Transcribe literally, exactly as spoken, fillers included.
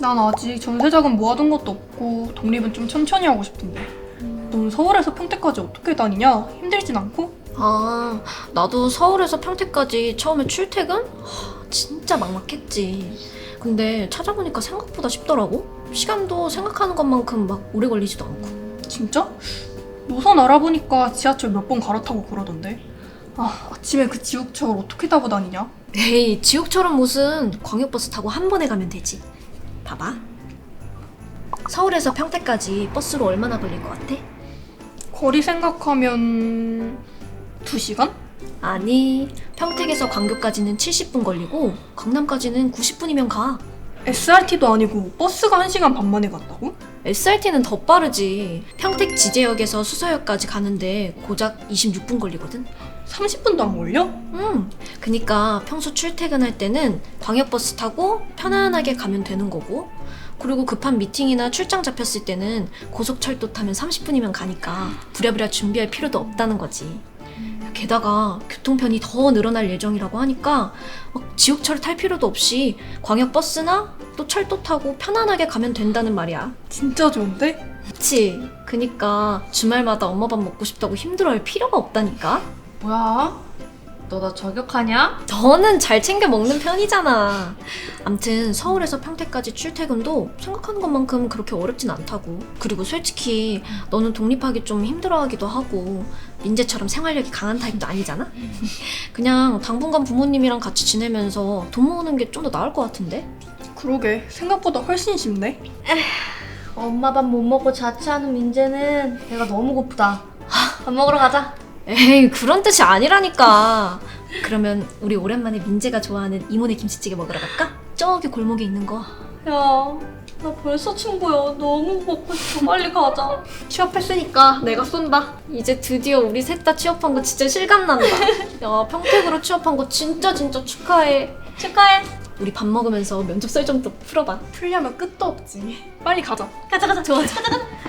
난 아직 전세자금 모아둔 것도 없고 독립은 좀 천천히 하고 싶은데. 넌 서울에서 평택까지 어떻게 다니냐? 힘들진 않고? 아, 나도 서울에서 평택까지 처음에 출퇴근? 하, 진짜 막막했지. 근데 찾아보니까 생각보다 쉽더라고. 시간도 생각하는 것만큼 막 오래 걸리지도 않고. 진짜? 노선 알아보니까 지하철 몇 번 갈아타고 그러던데. 아, 아침에 그 지옥철 어떻게 타고 다니냐? 에이, 지옥처럼 무슨 광역버스 타고 한 번에 가면 되지. 봐봐. 서울에서 평택까지 버스로 얼마나 걸릴 것 같아? 거리 생각하면 두 시간? 아니, 평택에서 광교까지는 칠십 분 걸리고 강남까지는 구십 분이면 가. 에스알티도 아니고 버스가 한 시간 반 만에 간다고? 에스알티는 더 빠르지. 평택 지제역에서 수서역까지 가는데 고작 이십육 분 걸리거든. 삼십 분도 안 걸려? 음, 그니까 평소 출퇴근할 때는 광역버스 타고 편안하게 가면 되는 거고, 그리고 급한 미팅이나 출장 잡혔을 때는 고속철도 타면 삼십 분이면 가니까 부랴부랴 준비할 필요도 없다는 거지. 게다가 교통편이 더 늘어날 예정이라고 하니까 막 지옥철 탈 필요도 없이 광역버스나 또 철도 타고 편안하게 가면 된다는 말이야. 진짜 좋은데? 그치? 그니까 주말마다 엄마 밥 먹고 싶다고 힘들어할 필요가 없다니까? 뭐야? 너 나 저격하냐? 너는 잘 챙겨 먹는 편이잖아. 암튼 서울에서 평택까지 출퇴근도 생각하는 것만큼 그렇게 어렵진 않다고. 그리고 솔직히 너는 독립하기 좀 힘들어하기도 하고 민재처럼 생활력이 강한 타입도 아니잖아? 그냥 당분간 부모님이랑 같이 지내면서 돈 모으는 게 좀 더 나을 것 같은데? 그러게, 생각보다 훨씬 쉽네. 엄마 밥 못 먹고 자취하는 민재는 배가 너무 고프다. 밥 먹으러 가자. 에이, 그런 뜻이 아니라니까. 그러면 우리 오랜만에 민재가 좋아하는 이모네 김치찌개 먹으러 갈까? 저기 골목에 있는 거. 야, 나 벌써 침 보여. 너무 먹고 싶어. 빨리 가자. 취업했으니까 내가 쏜다. 이제 드디어 우리 셋 다 취업한 거 진짜 실감난다. 야, 평택으로 취업한 거 진짜 진짜 축하해. 축하해. 우리 밥 먹으면서 면접 썰 좀 더 풀어봐. 풀려면 끝도 없지. 빨리 가자. 가자 가자. 좋아. 가자 가자.